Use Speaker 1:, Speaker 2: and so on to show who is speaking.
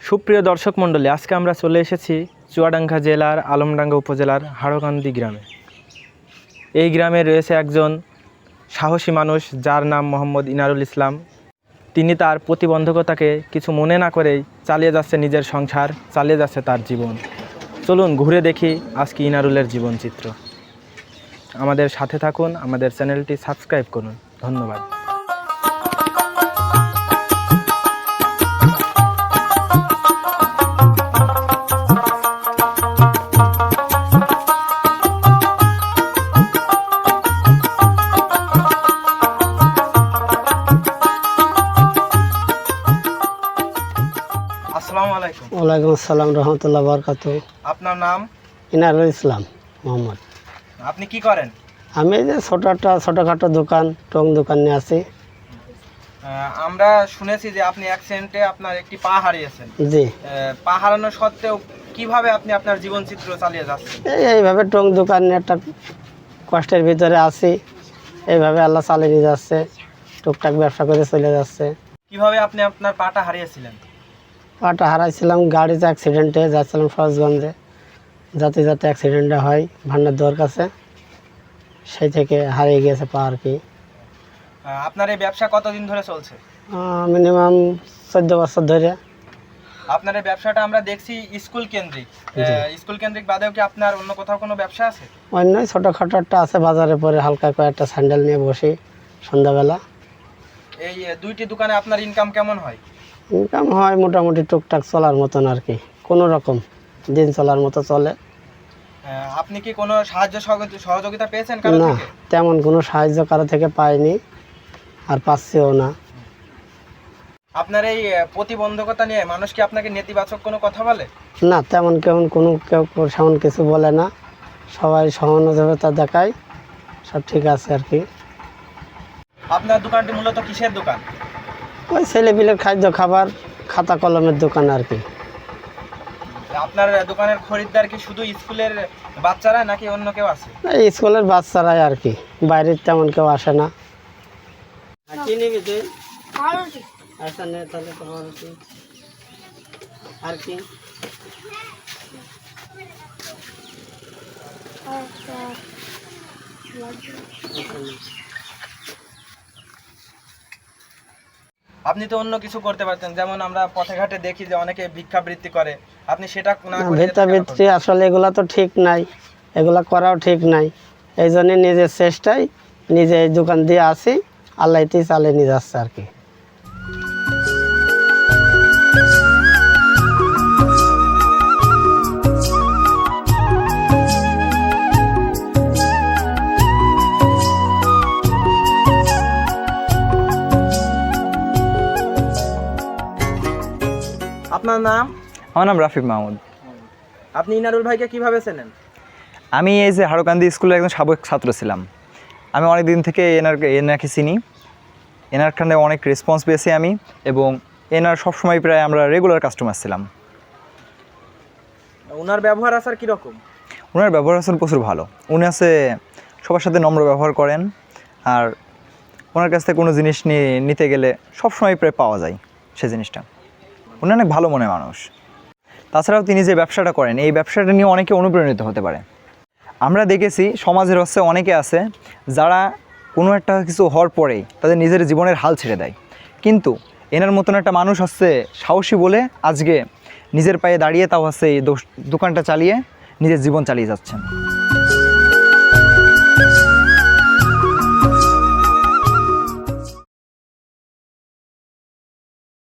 Speaker 1: সুপ্রিয় দর্শক মণ্ডলী, আজকে আমরা চলে এসেছি চুয়াডাঙ্গা জেলার আলমডাঙ্গা উপজেলার হাড়কান্দি গ্রামে। এই গ্রামে রয়েছে একজন সাহসী মানুষ, যার নাম মোহাম্মদ ইনারুল ইসলাম। তিনি তার প্রতিবন্ধকতাকে কিছু মনে না করেই চালিয়ে যাচ্ছে নিজের সংসার, চালিয়ে যাচ্ছে তার জীবন। চলুন ঘুরে দেখি আজকে ইনারুলের জীবনচিত্র। আমাদের সাথে থাকুন, আমাদের চ্যানেলটি সাবস্ক্রাইব করুন। ধন্যবাদ। আসসালামু আলাইকুম।
Speaker 2: ওয়ালাইকুম আসসালাম রহমতুল্লাহ বারকাতুহু।
Speaker 1: আপনার নাম?
Speaker 2: ইনারুল ইসলাম মোহাম্মদ।
Speaker 1: আপনি কি করেন?
Speaker 2: আমি এই যে ছোটোখাটো দোকান, টং দোকান নিয়ে আছি।
Speaker 1: আমরা শুনেছি যে আপনি অ্যাক্সিডেন্টে আপনার একটি পা হারিয়েছেন।
Speaker 2: জি।
Speaker 1: পা হারানো সত্ত্বেও কিভাবে আপনি আপনার জীবনচিত্র চালিয়ে যাচ্ছেন?
Speaker 2: এইভাবে টং দোকান নিয়ে একটা কষ্টের ভিতরে আছি, এইভাবে আল্লাহ চালিয়ে নিয়ে যাচ্ছে, টুকটাক ব্যবসা করে চলে যাচ্ছে।
Speaker 1: কিভাবে আপনি আপনার পাটা হারিয়েছিলেন?
Speaker 2: পাটা হারাইছিলাম গাড়িতে অ্যাক্সিডেন্টে, যাচ্ছিলাম সরোজগঞ্জে, যাতে অ্যাক্সিডেন্টটা হয় ভান্ডার দোয়ার কাছে, সেই থেকে হারিয়ে গিয়েছে পা আর কি।
Speaker 1: আপনার এই ব্যবসা কতদিন ধরে চলছে?
Speaker 2: মিনিমাম 14 বছর ধরে।
Speaker 1: আপনার এই ব্যবসাটা আমরা দেখছি স্কুল কেন্দ্রিক। স্কুল কেন্দ্রিক বাদেও কি আপনার অন্য কোথাও কোনো ব্যবসা আছে?
Speaker 2: অন্য ছোটোখাটো একটা আছে, বাজারে পরে হালকা কয়েকটা স্যান্ডেল নিয়ে বসি সন্ধ্যাবেলা।
Speaker 1: এই দুইটি দোকানে আপনার ইনকাম কেমন হয়?
Speaker 2: ইনকাম হয় মোটামুটি টুকটাক চলার মতন আর কি, কোনো রকম দিন চলার মতো চলে।
Speaker 1: আপনি কি কোনো সাহায্য সহযোগিতা পেয়েছেন কারো
Speaker 2: না,
Speaker 1: থেকে?
Speaker 2: তেমন কোনো সাহায্য কারো থেকে পাইনি আর পাচ্ছিও না।
Speaker 1: আপনার এই প্রতিবন্ধকতা নিয়ে মানুষ কি আপনাকে নেতিবাচক কোনো কথা বলে?
Speaker 2: না, তেমন কেউ সেমন কিছু বলে না, সবাই সহানুভূতি দেখায়, সব ঠিক আছে আর কি।
Speaker 1: আপনার দোকানটি মূলত কিসের দোকান?
Speaker 2: ওই ছেলেপিলের খাদ্য খাবার, খাতা কলমের দোকান আর কি।
Speaker 1: আপনার দোকানের খরিদ্দার কি শুধু স্কুলের বাচ্চারা নাকি অন্য কেউ আছে?
Speaker 2: এই স্কুলের বাচ্চারাই আর কি, বাইরের তেমন কেউ আসে না। কি নিবি তুই? আচ্ছা নে তাহলে, তোমার আর কি?
Speaker 1: আপনি তো অন্য কিছু করতে পারতেন, যেমন আমরা পথে ঘাটে দেখি যে অনেকে ভিক্ষাবৃত্তি করে, আপনি সেটা না করে
Speaker 2: ভিক্ষাবৃত্তি আসলে এগুলা তো ঠিক নাই, এগুলা করাও ঠিক নাই। এই জন্য নিজের চেষ্টায় নিজে এই দোকান দিয়ে আসি, আল্লাহতেই চালিয়ে নিয়ে যাচ্ছে আর কি।
Speaker 1: আপনার নাম?
Speaker 3: আমার নাম রাফিক মাহমুদ।
Speaker 1: আপনি ইনারুল ভাইকে কিভাবে চেনেন?
Speaker 3: আমি এই যে হাড়কান্দি স্কুলের একজন সাবেক ছাত্র ছিলাম। আমি অনেক দিন থেকে এনাকে চিনি, এনার খানে অনেক রেসপন্স পেয়েছি আমি, এবং এনার সবসময় প্রায় আমরা রেগুলার কাস্টমার ছিলাম।
Speaker 1: ওনার ব্যবহার আচার কীরকম?
Speaker 3: ওনার ব্যবহার আছেন প্রচুর ভালো। উনি আছে সবার সাথে নম্র ব্যবহার করেন, আর ওনার কাছ থেকে কোনো জিনিস নিতে গেলে সবসময় প্রায় পাওয়া যায় সেই জিনিসটা। উনি অনেক ভালো মনের মানুষ। তাছাড়াও তিনি যে ব্যবসাটা করেন, এই ব্যবসাটা নিয়ে অনেকে অনুপ্রাণিত হতে পারে। আমরা দেখেছি সমাজের হচ্ছে অনেকে আছে যারা কোনো একটা কিছু হওয়ার পরেই তাদের নিজের জীবনের হাল ছেড়ে দেয়, কিন্তু এনার মতন একটা মানুষ হচ্ছে সাহসী বলে আজকে নিজের পায়ে দাঁড়িয়ে, তাও হচ্ছে এই দোকানটা চালিয়ে নিজের জীবন চালিয়ে যাচ্ছেন।